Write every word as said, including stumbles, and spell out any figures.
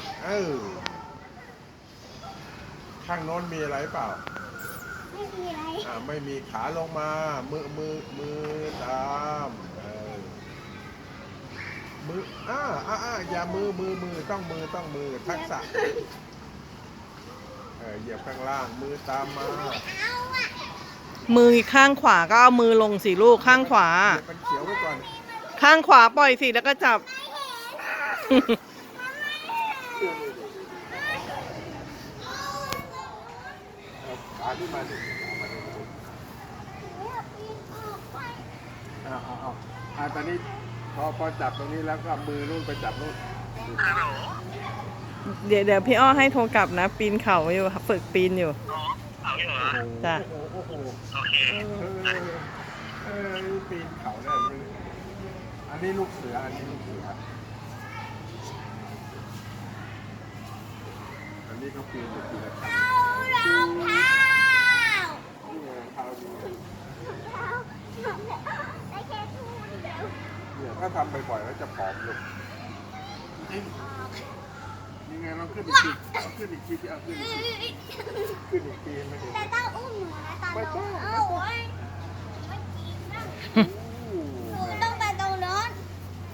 เออข้างโน้นมีอะไรเปล่าไม่มีอะไรอ่าไม่มีขาลงมามือมือมือตามเออมืออ่าอ่าอ่าอย่ามือมือมือต้องมือต้องมือทักษะเออเหยียบข้างล่างมือตามมาเอาอ่ะมือข้างขวาก็เอามือลงสิลูกข้างขวาเหยียบมันเขียวไว้ก่อนข้างขวาปล่อยสิแล้วก็จับเอาขาขึ้นมาดิเอามาดิเอาเอาเอาอ่าตอนนี้พอพอจับตรงนี้แล้วก็มือนู่นไปจับนู่นเดี๋ยวเดี๋ยวพี่อ้อให้โทรกลับนะ ปีนเขาอยู่ฝึกปีนอยู่เอาอยู่เหรอจ้ะโอ้โหโอ้โหโอเคเออเออปีนเขาได้เลยอันนี้ลูกเสืออันนี้ลูกเสืออันนี้เขาปีนอยู่ทีละขั้นเอารองเท้านี่ไงเท้าดีได้แค่ทูนเดียวเนี่ยถ้าทำบ่อยๆแล้วจะผอมลงนี่ไงเราขึ้นอีกทีเอาขึ้นอีกทีเอาขึ้นอีกทีขึ้นอีกทีไม่เห็นแต่ต้องอุ้มหนูนะตอนไม่ต้องเอาไว้ไม่กินนะ